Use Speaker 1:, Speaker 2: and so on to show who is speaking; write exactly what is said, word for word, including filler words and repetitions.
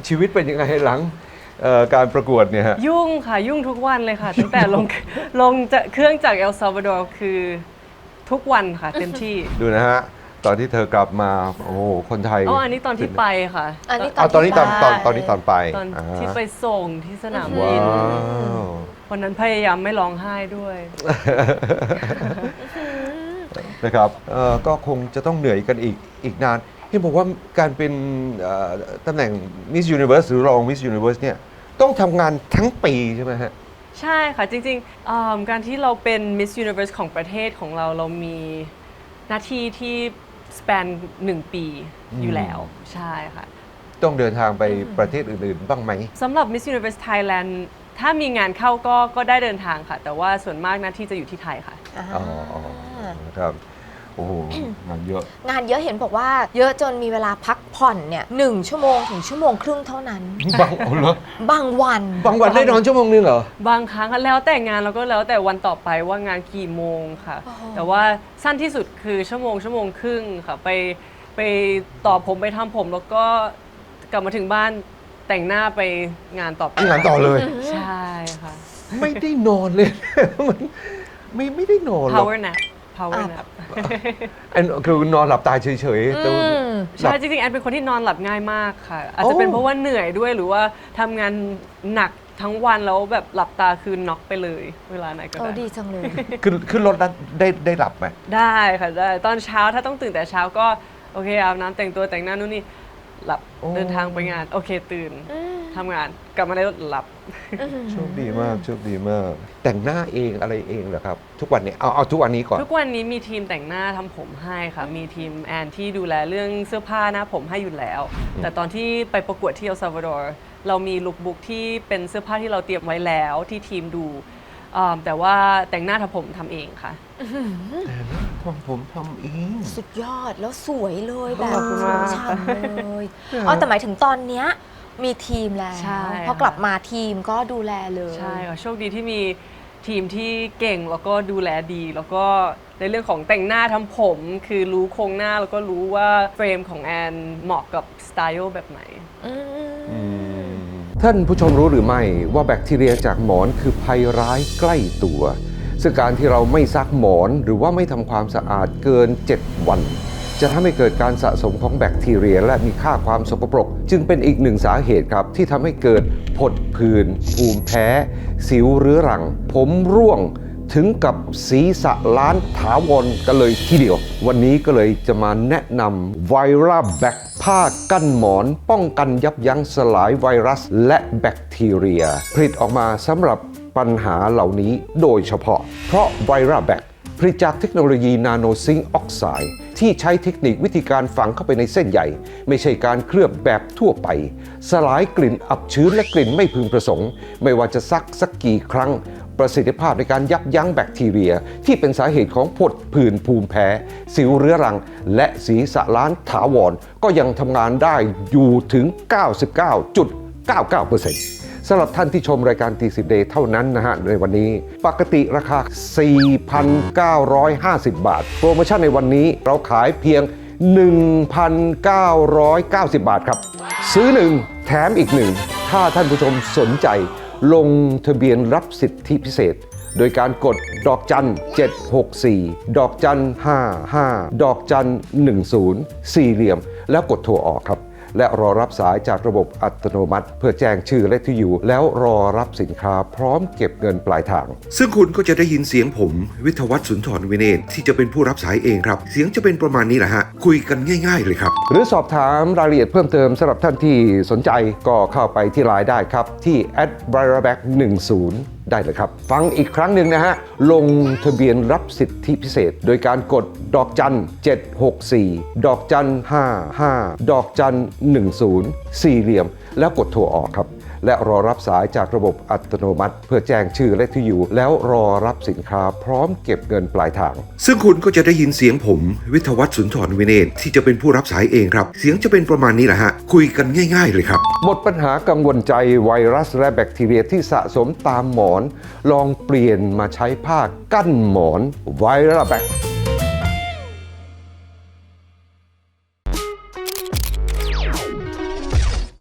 Speaker 1: ชีวิตเป็นยังไงหลังการประกวดเนี่ยฮะ
Speaker 2: ยุ่งค่ะยุ่งทุกวันเลยค่ะตั้งแต่ลงลงจากเครื่องจากเอลซัลวาดอร์คือทุกวันค่ะเต็มที่
Speaker 1: ดูนะฮะตอนที่เธอกลับมาโอ้คนไทย
Speaker 2: อ๋ออันนี้ตอนที่ไปค่ะ
Speaker 3: อันนี้
Speaker 1: ตอนนี้ตอนตอนตอนนี้ตอนไป
Speaker 2: ตอนที่ไปส่งที่สนามบินวันนั้นพยายามไม่ร้องไห้ด้วย
Speaker 1: นะครับก็คงจะต้องเหนื่อยกันอีกอีกนานเห็นบอกว่าการเป็นตำแหน่ง Miss Universe หรือรอง Miss Universe เนี่ยต้องทำงานทั้งปีใช่ไหมฮะ
Speaker 2: ใช่ค่ะจริงๆการที่เราเป็น Miss Universe ของประเทศของเราเรามีหน้าที่ที่ span หนึ่งปีอยู่แล้วใช่ค่ะ
Speaker 1: ต้องเดินทางไปประเทศอื่นๆบ้างไหม
Speaker 2: สำหรับ Miss Universe Thailand ถ้ามีงานเข้าก็ก็ได้เดินทางค่ะแต่ว่าส่วนมากหน้าที่จะอยู่ที่ไทยค่ะ
Speaker 1: อ๋อครับโอ้โหงานเยอะ
Speaker 3: งานเยอะเห็นบอกว่าเยอะจนมีเวลาพักผ่อนเนี่ยหนึ่งชั่วโมงถึงชั่วโมงครึ่งเท่านั้น
Speaker 1: บางเหร
Speaker 3: อบางวัน
Speaker 1: บางวันได้นอนชั่วโมงนึงเหรอ
Speaker 2: บางครั้งแล้วแต่งานแล้วก็แล้วแต่วันต่อไปว่างานกี่โมงค่ะแต่ว่าสั้นที่สุดคือชั่วโมงชั่วโมงครึ่งค่ะไปไปต่อผมไปทำผมแล้วก็กลับมาถึงบ้านแต่งหน้าไปงานต่อไป
Speaker 1: งานต่อเลย
Speaker 2: ใช่ค่ะ
Speaker 1: ไม่ได้นอนเลยไม่ไม่ได้นอนหรอก
Speaker 2: power nap power nap
Speaker 1: อันคือนอนหลับตาเฉยๆ
Speaker 2: ใช่จริงๆแอนเป็นคนที่นอนหลับง่ายมากค่ะอาจจะเป็นเพราะว่าเหนื่อยด้วยหรือว่าทำงานหนักทั้งวันแล้วแบบหลับตาคือน็อกไปเลยเวลาไหนก็ได้
Speaker 3: ดีจังเลย
Speaker 1: ขึ้นขึ้นรถได้ได้หลับไหม
Speaker 2: ได้ค่ะได้ตอนเช้าถ้าต้องตื่นแต่เช้าก็โอเคอาบน้ำแต่งตัวแต่งหน้านู่นนี่หลับเดินทางไปงานโอเคตื่นทำงานกลับมาในรถหลับ
Speaker 1: โชคดีมากโชคดีมากแต่งหน้าเองอะไรเองเหรอครับทุกวันนี้เอาเอาทุกวันนี้ก่อน
Speaker 2: ทุกวันนี้มีทีมแต่งหน้าทำผมให้ค่ะมีทีมแอนที่ดูแลเรื่องเสื้อผ้าหน้าผมให้อยู่แล้วแต่ตอนที่ไปประกวดที่เอลซัลวาดอร์เรามีลุคบุ๊กที่เป็นเสื้อผ้าที่เราเตรียมไว้แล้วที่ทีมดูแต่ว่าแต่งหน้าทำผมทำเองค่ะ
Speaker 1: ทำผมทำเอง
Speaker 3: สุดยอดแล้วสวยเลยแบบฉ่ำเลยอ๋อแต่หมายถึงตอนเนี้ยมีทีมแล้วพอกลับมาทีมก็ดูแลเลย
Speaker 2: ใช่ค่ะโชคดีที่มีทีมที่เก่งแล้วก็ดูแลดีแล้วก็ในเรื่องของแต่งหน้าทำผมคือรู้โครงหน้าแล้วก็รู้ว่าเฟรมของแอนเหมาะกับสไตล์แบบไหน
Speaker 1: ท่านผู้ชมรู้หรือไม่ว่าแบคทีเรียจากหมอนคือภัยร้ายใกล้ตัวซึ่งการที่เราไม่ซักหมอนหรือว่าไม่ทำความสะอาดเกินเจ็ดวันจะทำให้เกิดการสะสมของแบคทีเรียและมีค่าความสกปรกจึงเป็นอีกหนึ่งสาเหตุครับที่ทำให้เกิดผดผื่นภูมิแพ้สิวเรื้อรังผมร่วงถึงกับศีรษะล้านถาวรกันเลยทีเดียววันนี้ก็เลยจะมาแนะนำไวรัสแบคผ้ากั้นหมอนป้องกันยับยั้งสลายไวรัสและแบคทีเรียผลิตออกมาสำหรับปัญหาเหล่านี้โดยเฉพาะเพราะไวรัสแบคผลิตจากเทคโนโลยีนาโนซิงค์ออกไซด์ที่ใช้เทคนิควิธีการฝังเข้าไปในเส้นใยไม่ใช่การเคลือบแบบทั่วไปสลายกลิ่นอับชื้นและกลิ่นไม่พึงประสงค์ไม่ว่าจะซักสักกี่ครั้งประสิทธิภาพในการยับยั้งแบคทีเรียที่เป็นสาเหตุของผดผื่นภูมิแพ้สิวเรื้อรังและศีรษะล้านถาวรก็ยังทำงานได้อยู่ถึง เก้าสิบเก้าจุดเก้าเก้าเปอร์เซ็นต์ สำหรับท่านที่ชมรายการตีสิบเดย์เท่านั้นนะฮะในวันนี้ปกติราคา สี่พันเก้าร้อยห้าสิบ บาทโปรโมชั่นในวันนี้เราขายเพียง หนึ่งพันเก้าร้อยเก้าสิบ บาทครับซื้อหนึ่งแถมอีกหนึ่งถ้าท่านผู้ชมสนใจลงทะเบียนรับสิทธิพิเศษโดยการกดดอกจันเจ็ดหกสี่ดอกจันห้าห้าดอกจันหนึ่งศูนย์สี่เหลี่ยมแล้วกดโทรออกครับและรอรับสายจากระบบอัตโนมัติเพื่อแจ้งชื่อและที่อยู่แล้วรอรับสินค้าพร้อมเก็บเงินปลายทางซึ่งคุณก็จะได้ยินเสียงผมวิทยวัฒน์สุนทรวิเนศที่จะเป็นผู้รับสายเองครับเสียงจะเป็นประมาณนี้แหละฮะคุยกันง่ายๆเลยครับหรือสอบถามรายละเอียดเพิ่มเติมสำหรับท่านที่สนใจก็เข้าไปที่ไลน์ได้ครับที่ แอท ไวรัสแบค หนึ่งศูนย์ได้เลยครับฟังอีกครั้งหนึ่งนะฮะลงทะเบียนรับสิทธิพิเศษโดยการกดดอกจันเจ็ดหกสี่ดอกจันห้าห้าดอกจันหนึ่งศูนย์สี่เหลี่ยมแล้วกดโทรออกครับและรอรับสายจากระบบอัตโนมัติเพื่อแจ้งชื่อและที่อยู่แล้วรอรับสินค้าพร้อมเก็บเงินปลายทางซึ่งคุณก็จะได้ยินเสียงผมวิทยวัฒน์สุนทรวิเนศที่จะเป็นผู้รับสายเองครับเสียงจะเป็นประมาณนี้แหละฮะคุยกันง่ายๆเลยครับหมดปัญหากังวลใจไวรัสและแบคทีเรียที่สะสมตามหมอนลองเปลี่ยนมาใช้ผ้ากั้นหมอนไวรัสแบค